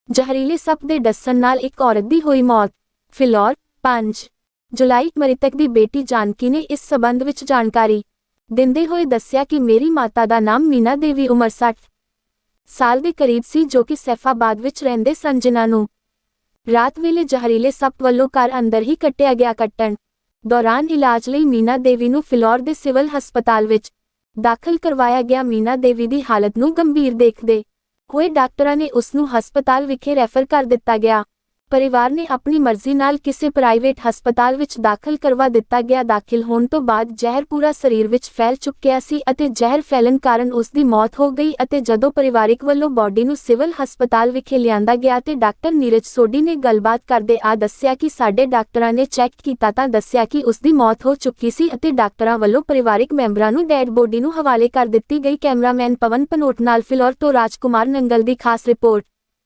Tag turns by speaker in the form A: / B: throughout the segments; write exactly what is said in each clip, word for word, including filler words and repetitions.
A: ਜ਼ਹਿਰੀਲੇ ਸੱਪ ਦੇ ਡਸਣ ਨਾਲ ਇੱਕ ਔਰਤ ਦੀ ਹੋਈ ਮੌਤ। ਫਿਲੌਰ ਪੰਜ ਜੁਲਾਈ ਮ੍ਰਿਤਕ ਦੀ ਬੇਟੀ ਜਾਨਕੀ ਨੇ ਇਸ ਸਬੰਧ ਵਿੱਚ ਜਾਣਕਾਰੀ ਦਿੰਦੇ ਹੋਏ ਦੱਸਿਆ ਕਿ ਮੇਰੀ ਮਾਤਾ ਦਾ ਨਾਮ ਮੀਨਾ ਦੇਵੀ ਉਮਰ ਸੱਠ ਸਾਲ ਦੇ ਕਰੀਬ ਸੀ, ਜੋ ਕਿ ਸੈਫਾਬਾਦ ਵਿੱਚ ਰਹਿੰਦੇ ਸਨ, ਜਿਨ੍ਹਾਂ ਨੂੰ ਰਾਤ ਵੇਲੇ ਜ਼ਹਿਰੀਲੇ ਸੱਪ ਵੱਲੋਂ ਘਰ ਅੰਦਰ ਹੀ ਕੱਟਿਆ ਗਿਆ। ਕੱਟਣ ਦੌਰਾਨ ਇਲਾਜ ਲਈ ਮੀਨਾ ਦੇਵੀ ਨੂੰ ਫਿਲੌਰ ਦੇ ਸਿਵਲ ਹਸਪਤਾਲ ਵਿੱਚ ਦਾਖਲ ਕਰਵਾਇਆ ਗਿਆ। ਮੀਨਾ ਦੇਵੀ ਦੀ ਹਾਲਤ ਨੂੰ ਗੰਭੀਰ ਦੇਖਦੇ ਹੋਏ ਡਾਕਟਰਾਂ ਨੇ ਉਸ ਨੂੰ ਹਸਪਤਾਲ ਵਿਖੇ ਰੈਫਰ ਕਰ ਦਿੱਤਾ ਗਿਆ। ਪਰਿਵਾਰ ਨੇ ਆਪਣੀ ਮਰਜ਼ੀ ਨਾਲ ਕਿਸੇ ਪ੍ਰਾਈਵੇਟ ਹਸਪਤਾਲ ਵਿੱਚ ਦਾਖਲ ਕਰਵਾ ਦਿੱਤਾ ਗਿਆ। ਦਾਖਲ ਹੋਣ ਤੋਂ ਬਾਅਦ ਜ਼ਹਿਰ ਪੂਰਾ ਸਰੀਰ ਵਿੱਚ ਫੈਲ ਚੁੱਕਿਆ ਸੀ ਅਤੇ ਜ਼ਹਿਰ ਫੈਲਣ ਕਾਰਨ ਉਸ ਦੀ ਮੌਤ ਹੋ ਗਈ ਅਤੇ ਜਦੋਂ ਪਰਿਵਾਰਿਕ ਵੱਲੋਂ ਬੋਡੀ ਨੂੰ ਸਿਵਲ ਹਸਪਤਾਲ ਵਿਖੇ ਲਿਆਂਦਾ ਗਿਆ ਤੇ ਡਾਕਟਰ ਨੀਰਜ ਸੋਢੀ ਨੇ ਗੱਲਬਾਤ ਕਰਦੇ ਆ ਦੱਸਿਆ ਕਿ ਸਾਡੇ ਡਾਕਟਰਾਂ ਨੇ ਚੈੱਕ ਕੀਤਾ ਤਾਂ ਦੱਸਿਆ ਕਿ ਉਸ ਦੀ ਮੌਤ ਹੋ ਚੁੱਕੀ ਸੀ ਅਤੇ ਡਾਕਟਰਾਂ ਵੱਲੋਂ ਪਰਿਵਾਰਿਕ ਮੈਂਬਰਾਂ ਨੂੰ ਡੈਡ ਬੋਡੀ ਨੂੰ ਹਵਾਲੇ ਕਰ ਦਿੱਤੀ ਗਈ। ਕੈਮਰਾਮੈਨ ਪਵਨ ਪਨੋਟ ਨਾਲ ਫਿਲੌਰ ਤੋਂ ਰਾਜकुमार नंगल ਦੀ ਖਾਸ ਰਿਪੋर्ट।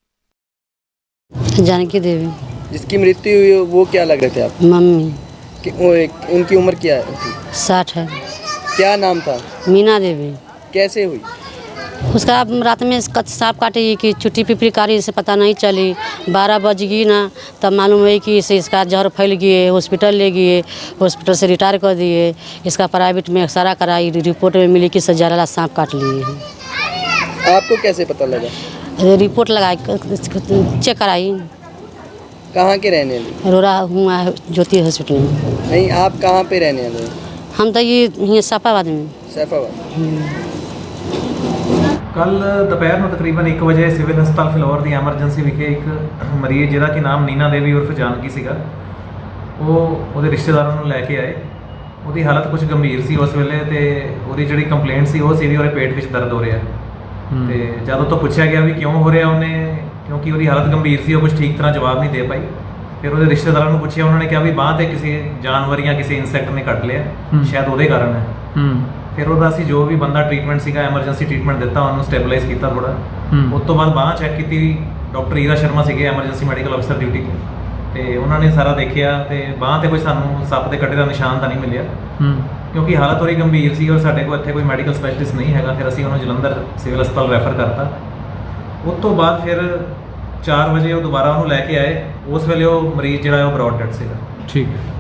B: जानकी देवी
C: जिसकी मृत्यु हुई वो क्या लग रहे थे आप?
B: मम्मी
C: कि, वो एक, उनकी उम्र क्या है?
B: साठ है।
C: क्या नाम था?
B: मीना देवी।
C: कैसे हुई?
B: उसका रात में सांप काटी कि चुट्टी पिपरी कारी से पता नहीं चली। बारह बज गई ना तब मालूम हुई कि इसे इसका जहर फैल गए। हॉस्पिटल ले गए, हॉस्पिटल से रिटायर कर दिए। इसका प्राइवेट में एक्सरा कराई, रिपोर्ट में मिली कि जहरीला सांप काट लिए हैं।
C: आपको कैसे पता लगा?
B: रिपोर्ट लगाई, चेक कराई।
C: कहाँ के रहने वाले?
B: रोरा हुआ ज्योति हॉस्पिटल में।
C: नहीं, आप कहाँ पे रहने वाले?
B: हम तो ये ये सैफाबाद में।
C: सैफाबाद।
D: ਕੱਲ ਦੁਪਹਿਰ ਨੂੰ ਤਕਰੀਬਨ ਇੱਕ ਵਜੇ ਸਿਵਲ ਹਸਪਤਾਲ ਫਿਲੌਰ ਦੀ ਐਮਰਜੈਂਸੀ ਵਿਖੇ ਇੱਕ ਮਰੀਜ਼ ਜਿਹਦਾ ਕਿ ਨਾਮ ਨੀਨਾ ਦੇਵੀ ਉਰਫ ਜਾਨਕੀ ਸੀਗਾ, ਉਹ ਉਹਦੇ ਰਿਸ਼ਤੇਦਾਰਾਂ ਨੂੰ ਲੈ ਕੇ ਆਏ। ਉਹਦੀ ਹਾਲਤ ਕੁਝ ਗੰਭੀਰ ਸੀ ਉਸ ਵੇਲੇ ਤੇ ਉਹਦੀ ਜਿਹੜੀ ਕੰਪਲੇਂਟ ਸੀ ਉਹ ਸੀ ਵੀ ਉਹਦੇ ਪੇਟ ਵਿੱਚ ਦਰਦ ਹੋ ਰਿਹਾ। ਤੇ ਜਦ ਉਹ ਤੋਂ ਪੁੱਛਿਆ ਗਿਆ ਵੀ ਕਿਉਂ ਹੋ ਰਿਹਾ, ਉਹਨੇ ਕਿਉਂਕਿ ਉਹਦੀ ਹਾਲਤ ਗੰਭੀਰ ਸੀ, ਉਹ ਕੁਝ ਠੀਕ ਤਰ੍ਹਾਂ ਜਵਾਬ ਨਹੀਂ ਦੇ ਪਾਈ। ਫਿਰ ਉਹਦੇ ਰਿਸ਼ਤੇਦਾਰਾਂ ਨੂੰ ਪੁੱਛਿਆ, ਉਹਨਾਂ ਨੇ ਕਿਹਾ ਵੀ ਬਾਂਹ ਤੇ ਕਿਸੇ ਜਾਨਵਰ ਜਾਂ ਕਿਸੇ ਇਨਸੈਕਟ ਨੇ ਕੱਟ ਲਿਆ, ਸ਼ਾਇਦ ਉਹਦੇ ਕਾਰਨ ਹੈ। ਫਿਰ ਉਹਦਾ ਅਸੀਂ ਜੋ ਵੀ ਬੰਦਾ ਟ੍ਰੀਟਮੈਂਟ ਸੀਗਾ ਐਮਰਜੈਂਸੀ ਟ੍ਰੀਟਮੈਂਟ ਦਿੱਤਾ, ਉਹਨੂੰ ਸਟੈਬਲਾਈਜ਼ ਕੀਤਾ ਥੋੜ੍ਹਾ। ਉਸ ਤੋਂ ਬਾਅਦ ਬਾਂਹ ਚੈੱਕ ਕੀਤੀ, ਡਾਕਟਰ ਈਰਾ ਸ਼ਰਮਾ ਸੀਗੇ ਐਮਰਜੈਂਸੀ ਮੈਡੀਕਲ ਅਫਸਰ ਡਿਊਟੀ 'ਤੇ, ਤੇ ਉਹਨਾਂ ਨੇ ਸਾਰਾ ਦੇਖਿਆ ਤੇ ਬਾਂਹ 'ਤੇ ਕੋਈ ਸਾਨੂੰ ਸੱਪ ਦੇ ਕੱਟੇ ਦਾ ਨਿਸ਼ਾਨ ਤਾਂ ਨਹੀਂ ਮਿਲਿਆ, ਕਿਉਂਕਿ ਹਾਲਤ ਉਹਦੀ ਗੰਭੀਰ ਸੀ ਔਰ ਸਾਡੇ ਕੋਲ ਇੱਥੇ ਕੋਈ ਮੈਡੀਕਲ ਸਪੈਸ਼ਲਿਸਟ ਨਹੀਂ ਹੈਗਾ। ਫਿਰ ਅਸੀਂ ਉਹਨੂੰ ਜਲੰਧਰ ਸਿਵਲ ਹਸਪਤਾਲ ਰੈਫਰ ਕਰਤਾ। ਉਸ ਤੋਂ ਬਾਅਦ ਫਿਰ ਚਾਰ ਵਜੇ ਉਹ ਦੁਬਾਰਾ ਉਹਨੂੰ ਲੈ ਕੇ ਆਏ। ਉਸ ਵੇਲੇ ਉਹ ਮਰੀਜ਼ ਜਿਹੜਾ ਉਹ ਬਰੌਡ ਡੈਡ ਸੀਗਾ।
E: ਠੀਕ ਹੈ।